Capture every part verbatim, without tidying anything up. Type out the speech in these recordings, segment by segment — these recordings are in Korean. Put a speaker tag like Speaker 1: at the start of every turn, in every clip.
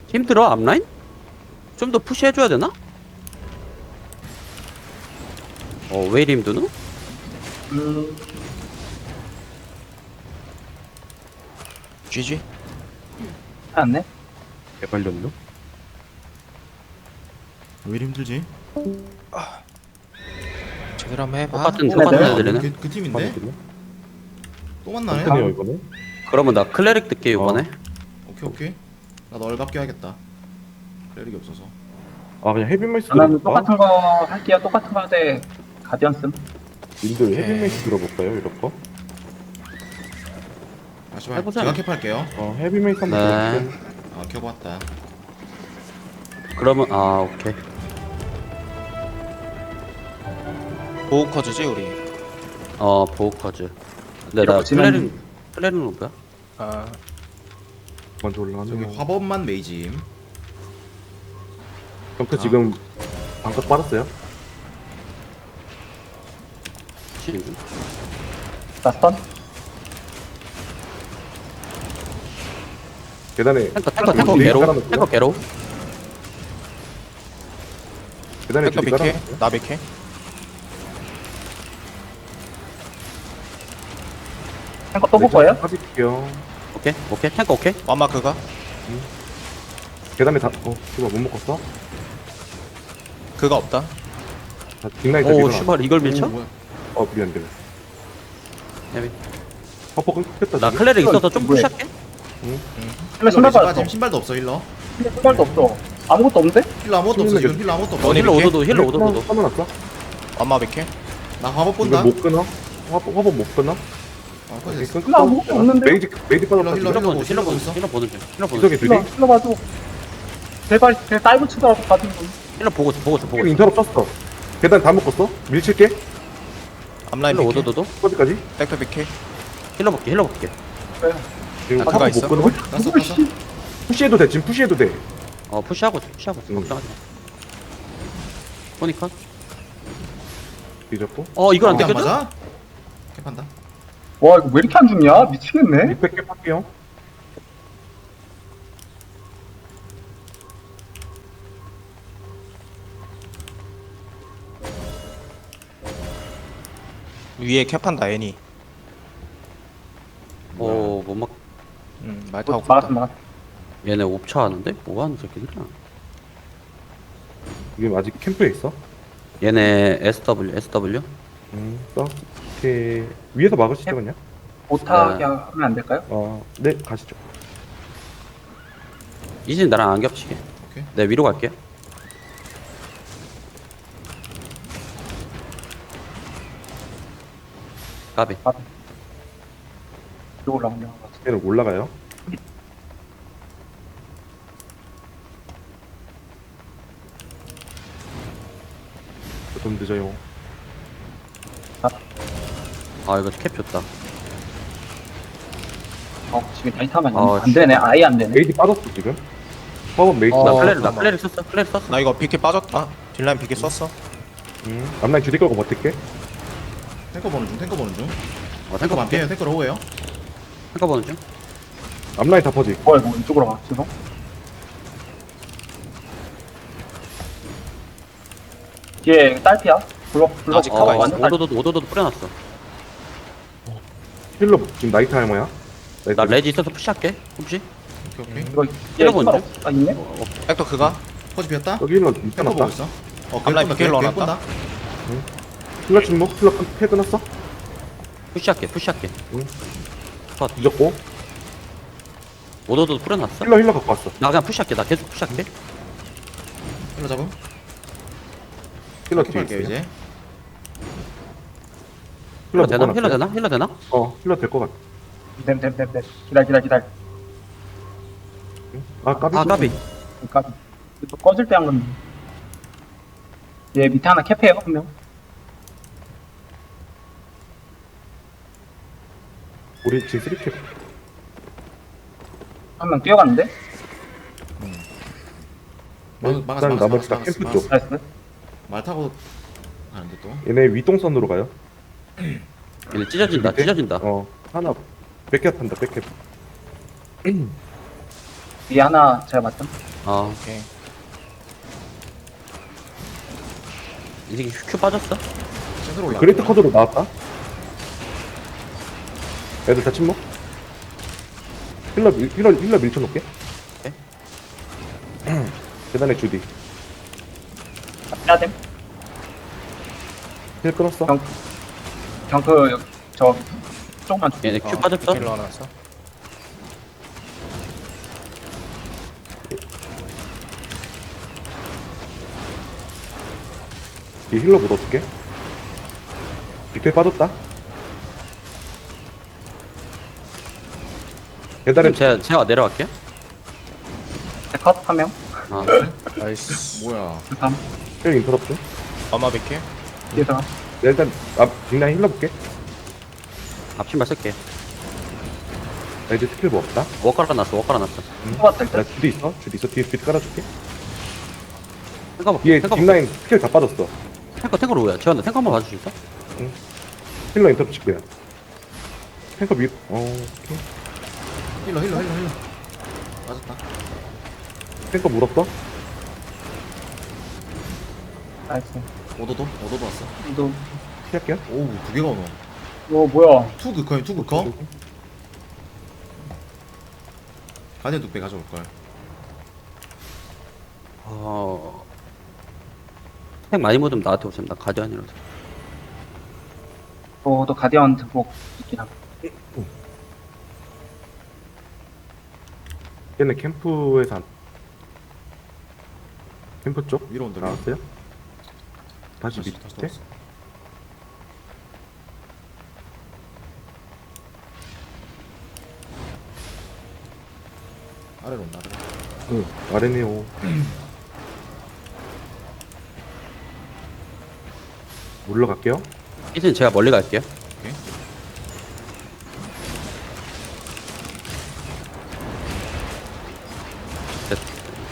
Speaker 1: 힘들어 앞라인? 좀 더 푸시해줘야 되나? 어 왜 이리 힘드노?
Speaker 2: 음,
Speaker 3: 지지.
Speaker 2: 않네.
Speaker 4: 개발렸노?
Speaker 5: 왜 이리 힘들지?
Speaker 3: 제대로 한번 해봐.
Speaker 1: 똑같은
Speaker 2: 네,
Speaker 1: 똑같은
Speaker 2: 네.
Speaker 1: 애들이네.
Speaker 5: 그, 그 팀인데?
Speaker 4: 맞거든요?
Speaker 5: 또 만나네?
Speaker 4: 어떠네요 이거는?
Speaker 1: 그러면 나 클레릭 뜰게 이번에.
Speaker 5: 오케이 오케이. 나 널갑게 하겠다. 클래릭이 없어서.
Speaker 4: 아 그냥 헤비메이스
Speaker 2: 저는
Speaker 4: 들어볼까?
Speaker 2: 똑같은 거 할게요. 똑같은 거 하되 가디언 씀.
Speaker 4: 님들 헤비메이스 들어볼까요 이런 거?
Speaker 5: 아 씨발
Speaker 1: 해보자.
Speaker 5: 제가 캡할게요.
Speaker 4: 어 헤비메이스 한번
Speaker 1: 네.
Speaker 4: 들어볼게요.
Speaker 5: 아 켜봤다.
Speaker 1: 그러면 아 오케이.
Speaker 3: 보호 커즈지 우리.
Speaker 1: 어 보호커즈. 근데 나
Speaker 2: 이렇게 지면-
Speaker 1: 클레릭 클레릭은 뭐야?
Speaker 3: 아
Speaker 4: 먼저 올라가면
Speaker 5: 저기 화법만 메이짐.
Speaker 4: 점프 지금 방각 빠졌어요?
Speaker 1: 지금.
Speaker 2: 나 스턴.
Speaker 4: 계단에
Speaker 1: 탱커 탱커 탱커
Speaker 4: 메이스
Speaker 1: 개로.
Speaker 4: 깔아놓고요.
Speaker 1: 탱커 개로.
Speaker 4: 계단에
Speaker 3: 백터
Speaker 4: 줄이
Speaker 3: 백해.
Speaker 4: 깔아놨어요?
Speaker 3: 나 백해.
Speaker 2: 탱커 또 볼 거예요?
Speaker 4: 빠질게요.
Speaker 1: 오케이 오케이 탱커 오케이.
Speaker 3: 완마 그가.
Speaker 4: 계단에 다.. 어 씨발 못 먹었어?
Speaker 3: 그가 없다.
Speaker 4: 다 빅라이트
Speaker 1: 오
Speaker 4: 밀어놔.
Speaker 1: 슈발 이걸 밀쳐?
Speaker 5: 오, 뭐야.
Speaker 4: 어 미안 미안
Speaker 1: 야미.
Speaker 4: 퍼퍼 끊겼다
Speaker 1: 나
Speaker 4: 지금.
Speaker 1: 클레릭 있어서 좀
Speaker 2: 뭐야?
Speaker 1: 푸시할게.
Speaker 2: 힐러 신발
Speaker 5: 힐러
Speaker 2: 빠졌어.
Speaker 5: 신발도 없어 힐러.
Speaker 2: 힐러 신발도 없어. 아무것도 없는데?
Speaker 5: 힐러 아무것도 없어 지금 힐러 아무것도 없어.
Speaker 3: 너네
Speaker 1: 힐러
Speaker 3: 밀게?
Speaker 1: 오도도 힐러 오도도.
Speaker 4: 써놨어?
Speaker 3: 완마 백해.
Speaker 5: 나 화법
Speaker 4: 이거
Speaker 5: 본다.
Speaker 4: 못 끊어? 화법 화법 못 끊어?
Speaker 5: 아
Speaker 4: 오케이,
Speaker 5: 꺼졌어.
Speaker 4: 끊-
Speaker 2: 힐러 아무것도 없는데?
Speaker 4: 메이지 메이지 빠졌다
Speaker 5: 힐러,
Speaker 4: 지금.
Speaker 1: 힐러 보는 중 힐러
Speaker 5: 보고
Speaker 1: 보는
Speaker 5: 있어?
Speaker 1: 중 힐러 보는 중 힐러 보는 중.
Speaker 4: 구석에
Speaker 2: 힐러,
Speaker 4: 둘이
Speaker 2: 힐러 봐줘. 제발, 제 다이브 치더라도 가지고.
Speaker 1: 힐러 보고 있어 보고 있어 보고
Speaker 4: 지금
Speaker 1: 있어.
Speaker 4: 인터럽 떴어. 계단 다 먹었어? 밀칠게.
Speaker 3: 앞라인
Speaker 1: 힐러
Speaker 3: 백해.
Speaker 1: 오도도도.
Speaker 4: 어디까지?
Speaker 3: 백터 백해.
Speaker 1: 힐러 볼게 힐러 볼게.
Speaker 4: 지금
Speaker 3: 아, 그거
Speaker 4: 화법
Speaker 3: 있어?
Speaker 4: 못 끊어?
Speaker 5: 났어 났어.
Speaker 4: 푸시해도 돼 지금 푸시해도 돼.
Speaker 1: 어 푸시하고 있어 푸시하고 있어
Speaker 4: 응.
Speaker 1: 걱정하지 마. 보니까.
Speaker 4: 뒤졌고.
Speaker 1: 어 이걸 안
Speaker 5: 이게 안
Speaker 1: 뜯겨져?
Speaker 5: 맞아? 캡한다.
Speaker 2: 와, 이거 왜 이렇게 안 죽냐? 미치겠네.
Speaker 4: 이백 개 할게요.
Speaker 3: 위에 캡한다 애니.
Speaker 1: 어못 막.
Speaker 3: 음, 말 타고
Speaker 2: 막았어,
Speaker 3: 갔다.
Speaker 2: 막았어.
Speaker 1: 얘네 옵차 하는데 뭐 하는 새끼들이야?
Speaker 4: 지금 아직 캠프에 있어?
Speaker 1: 얘네 에스더블유 에스더블유.
Speaker 4: 음, 써. 오케이. 위에서 막으시죠 그냥.
Speaker 2: 못하게
Speaker 1: 네.
Speaker 2: 하면 안 될까요?
Speaker 4: 어, 네 가시죠.
Speaker 1: 이진 나랑 안 겹치게.
Speaker 5: 오케이.
Speaker 1: 내 위로 갈게. 까비.
Speaker 2: 이거 올라오냐.
Speaker 4: 얘는 올라가요. 좀 늦어요.
Speaker 1: 아 이거 캡 좋다.
Speaker 2: 어, 지금 다시 타면
Speaker 1: 어,
Speaker 2: 안 되네. 아예 안 되네.
Speaker 4: 메이지 빠졌어 지금. 화법 메이지
Speaker 1: 나
Speaker 3: 어,
Speaker 4: 나.
Speaker 1: 플레르 나
Speaker 3: 잠깐만.
Speaker 1: 플레르 썼어 플레르 썼어.
Speaker 3: 나 이거 비케 빠졌다. 딜라인 비케 썼어.
Speaker 4: 음. 앞라인 주디 걸고 버틸게.
Speaker 5: 탱커 보는 중 탱커 보는 중.
Speaker 1: 어
Speaker 5: 탱커
Speaker 1: 탱커 볼게.
Speaker 5: 반피에요 탱커 로우에요.
Speaker 1: 탱커 보는 중.
Speaker 4: 앞라인 다 퍼지.
Speaker 2: 어, 이거 이쪽으로 가. 죄송. 뒤에 딸피야. 불러, 불러.
Speaker 3: 아직
Speaker 1: 어
Speaker 3: 가만히
Speaker 1: 완-
Speaker 3: 있어.
Speaker 1: 오도도 오도도 뿌려놨어.
Speaker 4: 힐러 지금 나이트 할머야. 나이트.
Speaker 1: 나 레지 있어서 푸시할게. 혹시?
Speaker 5: 오케이 오케이.
Speaker 2: 이거
Speaker 1: 힐러 보는 중.
Speaker 2: 아, 있네?
Speaker 3: 백터 그가.
Speaker 5: 퍼지 비었다.
Speaker 4: 여기 힐러
Speaker 5: 탱커
Speaker 4: 있어놨다.
Speaker 5: 보고 있어. 어
Speaker 3: 앞라인
Speaker 5: 계속
Speaker 3: 비케를
Speaker 5: 본다,
Speaker 3: 넣어놨다.
Speaker 5: 계속 본다.
Speaker 4: 힐러 침묵. 힐러 패 끊었어.
Speaker 1: 푸시할게 푸시할게.
Speaker 4: 뒤졌고.
Speaker 1: 오도도 뿌려놨어.
Speaker 4: 힐러 힐러 갖고 왔어.
Speaker 1: 나 그냥 푸시할게. 나 계속 푸시할게.
Speaker 5: 힐러 잡음.
Speaker 4: 힐러 뒤에
Speaker 5: 캡할게요
Speaker 4: 있어.
Speaker 5: 이제.
Speaker 4: 힐러
Speaker 1: 힐러 되나?
Speaker 4: 묶어놨어요.
Speaker 1: 힐러 되나? 힐러 되나?
Speaker 4: 어, 힐러 될 것 같아.
Speaker 2: 됨, 됨, 됨, 됨. 기다려, 기다려, 기다려.
Speaker 4: 아 까비.
Speaker 1: 아 까비.
Speaker 2: 그러니까 또 꺼질 때 한 건데. 얘 밑에 하나 캡해요, 한 명.
Speaker 4: 우리 지금 쓰리캡.
Speaker 2: 한 명 뛰어갔는데?
Speaker 5: 막-
Speaker 4: 일단
Speaker 5: 막았어, 막았어,
Speaker 4: 나머지 다
Speaker 5: 막았어,
Speaker 4: 캠프
Speaker 5: 막았어.
Speaker 4: 쪽.
Speaker 2: 나이스.
Speaker 5: 말 타고 가는데 또.
Speaker 4: 얘네 위동선으로 가요.
Speaker 1: 얘네 찢어진다
Speaker 4: 밑에?
Speaker 1: 찢어진다.
Speaker 4: 어, 하나 백캡 한다. 백캡.
Speaker 2: 위에 하나 제가 맞죠?
Speaker 1: 어,
Speaker 3: 오케이.
Speaker 1: 이 새끼 큐 빠졌어?
Speaker 5: 센터로 올라.
Speaker 4: 그레이트 커드로 나왔다. 애들 다 침묵. 힐러 밀- 힐러 힐러 밀쳐놓게.
Speaker 1: 네.
Speaker 4: 계단에 주디.
Speaker 2: 해야 됨.
Speaker 4: 힐 끊었어.
Speaker 2: 경, 경크, 여기, 저, 조금만 줄게.
Speaker 1: 얘네 큐 빠졌어?
Speaker 3: 힐러 나왔어.
Speaker 4: 이 힐러 못 어떻게? 빅페 빠졌다. 계단에
Speaker 1: 그럼 제가, 제가 내려갈게요.
Speaker 2: 컷, 한 명.
Speaker 1: 아,
Speaker 3: 나이스.
Speaker 5: 뭐야?
Speaker 2: 그 다음,
Speaker 4: 힐 인터럽트.
Speaker 3: 아마 비킬.
Speaker 2: 뒤에서.
Speaker 4: 네, 일단 앞 빅라인 힐러 볼게.
Speaker 1: 앞신발 쓸게.
Speaker 4: 나 이제 스킬 뭐 없다.
Speaker 1: 워 깔아놨어, 워 깔아놨어.
Speaker 2: 뽑았을
Speaker 4: 나
Speaker 2: 때.
Speaker 4: 주디 있어. 주디 있어. 뒤에 비트 깔아줄게.
Speaker 1: 탱커,
Speaker 4: 뒤에
Speaker 1: 탱커,
Speaker 4: 빅라인 스킬 다 빠졌어.
Speaker 1: 탱커, 탱커로 오야. 재현아, 탱커 한번 봐줄 수 있어?
Speaker 4: 힐러 인터럽트 칠 거야. 탱커 밀. 어. 오케이.
Speaker 5: 힐러 힐러 힐러 힐러. 맞았다.
Speaker 4: 탱커 물었어.
Speaker 2: 나이스.
Speaker 5: 오도도 오도도 왔어.
Speaker 2: 너,
Speaker 4: 피할게요.
Speaker 5: 오우 두 개가 오노.
Speaker 2: 어, 뭐야.
Speaker 5: 투 그커 투 그커. 가디언 뚝배 가져올 걸.
Speaker 1: 어, 탱 많이 묻으면 나한테 오세요. 나 가디언이라서.
Speaker 2: 저도 가디언 등복 있긴 하고.
Speaker 4: 얘네 캠프에서 안- 캠프 쪽
Speaker 5: 위로 온다. 위로.
Speaker 4: 나왔어요? 다시
Speaker 5: 다시
Speaker 4: 밑에.
Speaker 5: 다시 돌았어. 아래로 온다. 아래로.
Speaker 4: 응. 아레네오. 올라갈게요.
Speaker 1: 이젠 제가 멀리 갈게요.
Speaker 5: 오케이.
Speaker 1: 됐.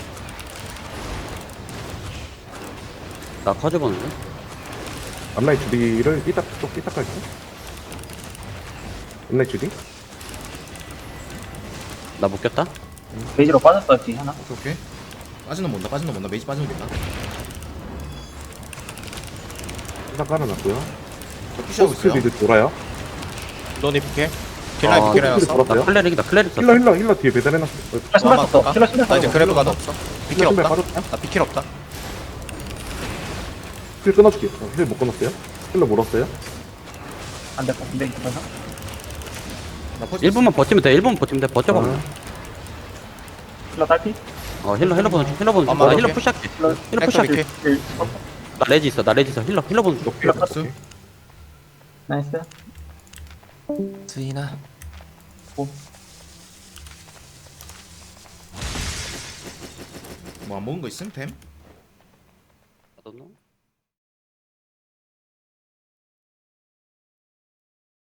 Speaker 1: 나 커즈 보는데?
Speaker 4: 앞라인 주디를 삐딱 쪽 삐딱 갈게. 앞라인 주디.
Speaker 1: 나 묶였다?
Speaker 2: 베이지로 빠졌어, 뒤 하나.
Speaker 5: 오케이 오케이. 빠지는 본다. 빠지는 본다. 메이지 빠지는 본다.
Speaker 4: 삐딱 깔아놨고요.
Speaker 5: 저 푸시하고
Speaker 4: 포스트
Speaker 5: 있어요.
Speaker 4: 미드 돌아요.
Speaker 3: 로니 비킬. 딜라인
Speaker 1: 아,
Speaker 3: 비킬
Speaker 4: 포스트
Speaker 3: 해놨어.
Speaker 4: 돌았어요.
Speaker 1: 나 클레릭이다, 클레릭 썼어.
Speaker 4: 힐러 힐러 힐러 뒤에 배달해놨어. 어,
Speaker 2: 아, 신발 썼어.
Speaker 3: 아마
Speaker 2: 신발, 신발
Speaker 3: 나 이제
Speaker 2: 썼어.
Speaker 3: 그래브 가도 없어. 비킬
Speaker 4: 신발
Speaker 3: 없다.
Speaker 4: 빠졌다.
Speaker 3: 나 비킬 없다.
Speaker 4: 힐 끊어줄게. 어, 힐 못 끊었어요. 힐러 물었어요.
Speaker 2: 안 될 것 같은데, 이거 봐.
Speaker 5: 나 퍼지.
Speaker 1: 일 분만 버티면 돼, 일 분만 버티면 돼. 버텨봐.
Speaker 4: 아,
Speaker 2: 힐러 딸피?
Speaker 1: 어, 힐러, 힐러 보는 중, 힐러 보는 중.
Speaker 3: 엄마,
Speaker 1: 나 힐러
Speaker 3: 오케이.
Speaker 1: 푸시할게.
Speaker 2: 힐러,
Speaker 1: 힐러
Speaker 3: 탱커
Speaker 1: 푸시할게.
Speaker 3: 비킬.
Speaker 2: 힐, 어,
Speaker 1: 나 레지 있어, 나 레지 있어. 힐러, 힐러 보는 중.
Speaker 4: 오케이.
Speaker 5: 박스.
Speaker 2: 나이스.
Speaker 3: 스이나.
Speaker 5: 뭐 안 먹은 거 있음 템?
Speaker 1: I don't know.